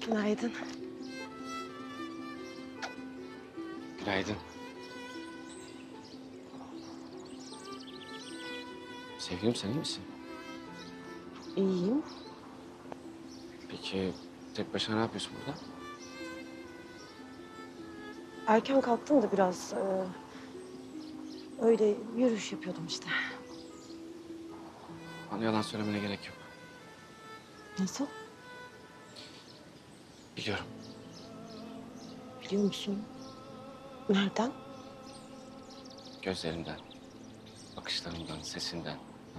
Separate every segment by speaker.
Speaker 1: Günaydın.
Speaker 2: Günaydın. Sevgilim sen iyi misin?
Speaker 1: İyiyim.
Speaker 2: Peki tek başına ne yapıyorsun burada?
Speaker 1: Erken kalktım da biraz öyle yürüyüş yapıyordum işte.
Speaker 2: Bana yalan söylemene gerek yok.
Speaker 1: Nasıl?
Speaker 2: Biliyorum.
Speaker 1: Biliyor musun? Nereden?
Speaker 2: Gözlerimden, bakışlarımdan, sesinden.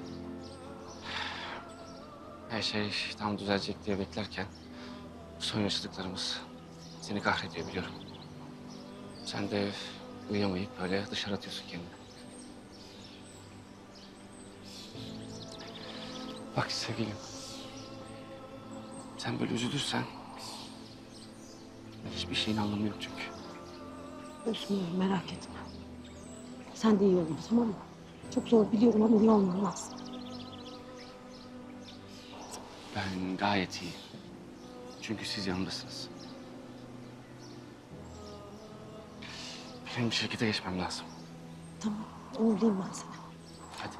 Speaker 2: Her şey tam düzelecek diye beklerken son yaşadıklarımız seni kahrediyor biliyorum. Sen de uyuyamayıp böyle dışarı atıyorsun kendini. Bak sevgilim, sen böyle üzülürsen hiçbir şeyin anlamı yok çünkü.
Speaker 1: Üzülmüyorum, merak etme. Sen de iyi olun, tamam mı? Çok zor biliyorum ama iyi olman lazım.
Speaker 2: Ben gayet iyi. Çünkü siz yanımdasınız. Benim şirkete geçmem lazım.
Speaker 1: Tamam, uğurlayayım ben seni.
Speaker 2: Hadi.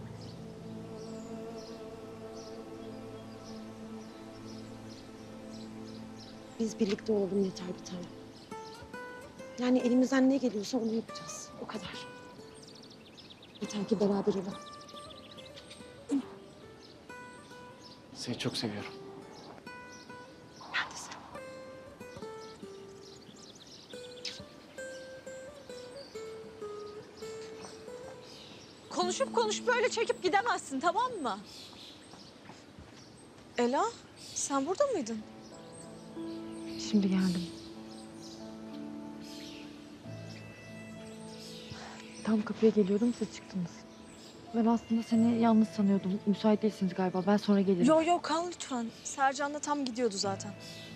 Speaker 1: Biz birlikte olalım yeter bir tane. Yani elimizden ne geliyorsa onu yapacağız. O kadar. Yeter ki beraber olalım.
Speaker 2: Seni çok seviyorum.
Speaker 1: Ben de seni.
Speaker 3: Konuşup böyle çekip gidemezsin, tamam mı? Ela, sen burada mıydın?
Speaker 4: Şimdi geldim. Tam kapıya geliyordum, siz çıktınız. Ben aslında seni yalnız sanıyordum. Müsait değilsiniz galiba. Ben sonra gelirim.
Speaker 3: Yo kal lütfen. Sercan da tam gidiyordu zaten.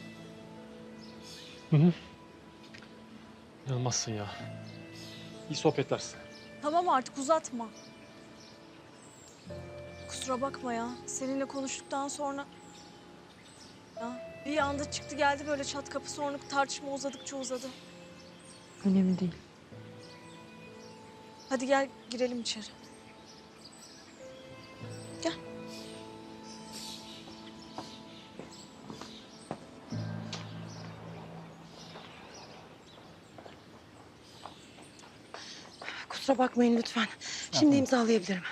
Speaker 5: İnanılmazsın ya. İyi sohbetler size.
Speaker 3: Tamam artık uzatma. Kusura bakma ya. Seninle konuştuktan sonra... Ya bir anda çıktı geldi böyle çat kapı, sonra tartışma uzadıkça uzadı.
Speaker 4: Önemli değil.
Speaker 3: Hadi gel girelim içeri. Gel.
Speaker 1: Kusura bakmayın lütfen. Şimdi imzalayabilirim.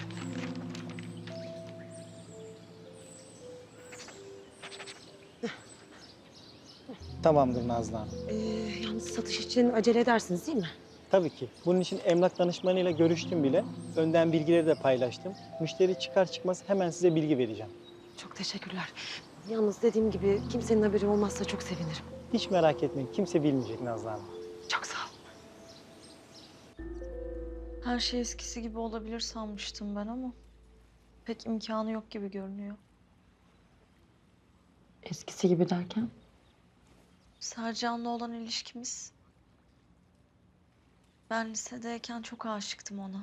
Speaker 6: Tamamdır Nazlı Hanım.
Speaker 1: Yalnız satış için acele edersiniz değil mi?
Speaker 6: Tabii ki. Bunun için emlak danışmanıyla görüştüm bile. Önden bilgileri de paylaştım. Müşteri çıkar çıkmaz hemen size bilgi vereceğim.
Speaker 1: Çok teşekkürler. Yalnız dediğim gibi kimsenin haberi olmazsa çok sevinirim.
Speaker 6: Hiç merak etmeyin. Kimse bilmeyecek Nazlı Hanım.
Speaker 1: Çok sağ ol.
Speaker 3: Her şey eskisi gibi olabilir sanmıştım ben ama... pek imkanı yok gibi görünüyor.
Speaker 4: Eskisi gibi derken?
Speaker 3: Sercan'la olan ilişkimiz... Ben lisedeyken çok aşıktım ona.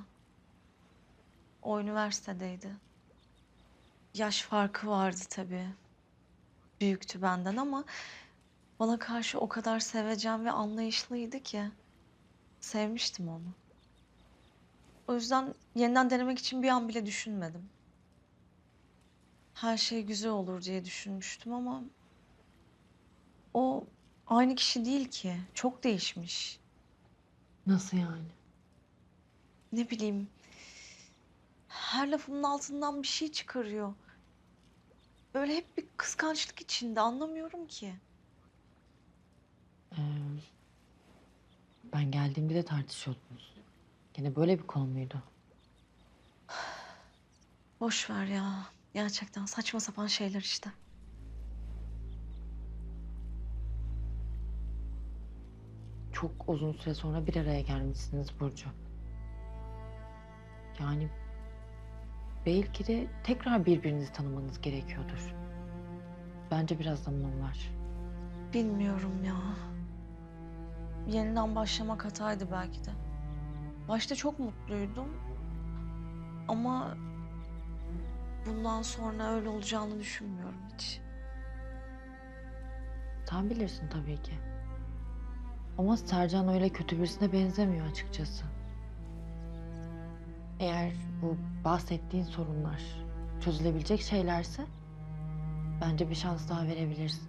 Speaker 3: O üniversitedeydi. Yaş farkı vardı tabii. Büyüktü benden ama... bana karşı o kadar sevecen ve anlayışlıydı ki... sevmiştim onu. O yüzden yeniden denemek için bir an bile düşünmedim. Her şey güzel olur diye düşünmüştüm ama... o aynı kişi değil ki. Çok değişmiş.
Speaker 4: Nasıl yani?
Speaker 3: Ne bileyim... her lafımın altından bir şey çıkarıyor. Böyle hep bir kıskançlık içinde, anlamıyorum ki.
Speaker 4: Ee, Ben geldiğimde de tartışıyordunuz. Gene böyle bir konu muydu?
Speaker 3: Boş ver ya. Gerçekten saçma sapan şeyler işte.
Speaker 4: Çok uzun süre sonra bir araya gelmişsiniz Burcu. Yani belki de tekrar birbirinizi tanımanız gerekiyordur. Bence biraz zaman var.
Speaker 3: Bilmiyorum ya. Yeniden başlamak hataydı belki de. Başta çok mutluydum. Ama bundan sonra öyle olacağını düşünmüyorum hiç.
Speaker 4: Sen bilirsin tabii ki. Ama Sercan öyle kötü birisine benzemiyor açıkçası. Eğer bu bahsettiğin sorunlar çözülebilecek şeylerse bence bir şans daha verebilirsin.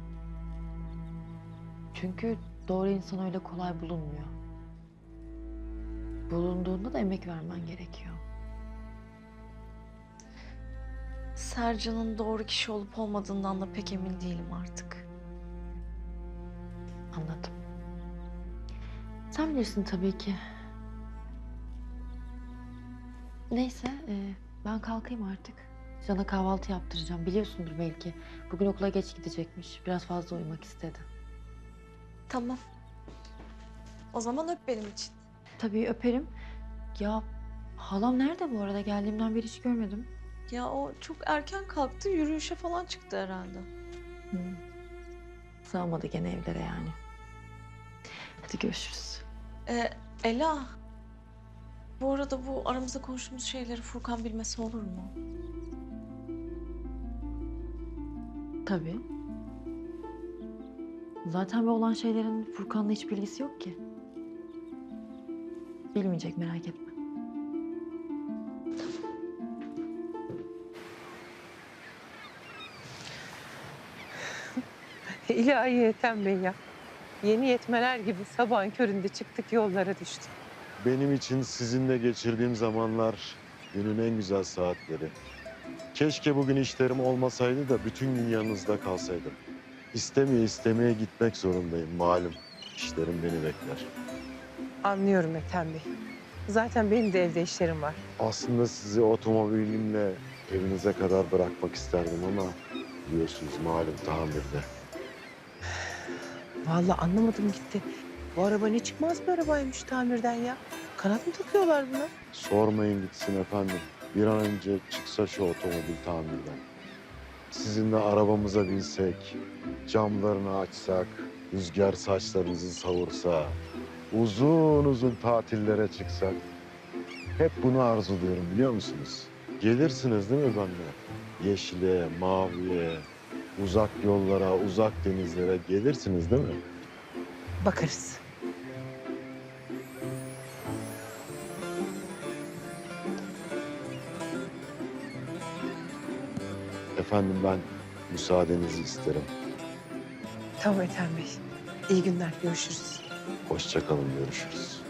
Speaker 4: Çünkü doğru insan öyle kolay bulunmuyor. Bulunduğunda da emek vermen gerekiyor.
Speaker 3: Sercan'ın doğru kişi olup olmadığından da pek emin değilim artık.
Speaker 4: Anladım. Sen bilirsin tabii ki. Neyse, ben kalkayım artık. Can'a kahvaltı yaptıracağım. Biliyorsundur belki. Bugün okula geç gidecekmiş. Biraz fazla uyumak istedi.
Speaker 3: Tamam. O zaman öp benim için.
Speaker 4: Tabii öperim. Ya halam nerede bu arada? Geldiğimden beri hiç görmedim.
Speaker 3: Ya o çok erken kalktı, yürüyüşe falan çıktı herhalde.
Speaker 4: Sığamadı gene evlere yani. Hadi görüşürüz.
Speaker 3: Ela, bu arada bu aramızda konuştuğumuz şeyleri Furkan bilmesi olur mu?
Speaker 4: Tabii. Zaten bu olan şeylerin Furkan'la hiç bilgisi yok ki. Bilmeyecek, merak etme.
Speaker 7: İlahi Ethem Bey ya. Yeni yetmeler gibi sabahın köründe çıktık yollara düştük.
Speaker 8: Benim için sizinle geçirdiğim zamanlar günün en güzel saatleri. Keşke bugün işlerim olmasaydı da bütün gün yanınızda kalsaydım. İstemeye istemeye gitmek zorundayım malum. İşlerim beni bekler.
Speaker 7: Anlıyorum Ethem Bey. Zaten benim de evde işlerim var.
Speaker 8: Aslında sizi otomobilimle evinize kadar bırakmak isterdim ama biliyorsunuz malum tamirde.
Speaker 7: Vallahi anlamadım gitti. Bu araba ne çıkmaz bir arabaymış tamirden ya. Kanat mı takıyorlar buna?
Speaker 8: Sormayın gitsin efendim. Bir an önce çıksa şu otomobil tamirden. Sizinle arabamıza binsek, camlarını açsak, rüzgar saçlarınızı savursa, uzun uzun tatillere çıksak. Hep bunu arzuluyorum biliyor musunuz? Gelirsiniz değil mi benimle? Yeşile, maviye, uzak yollara, uzak denizlere gelirsiniz değil mi?
Speaker 7: Bakarız.
Speaker 8: Efendim ben müsaadenizi isterim.
Speaker 7: Tamam Ethem Bey. İyi günler. Görüşürüz.
Speaker 8: Hoşça kalın, görüşürüz.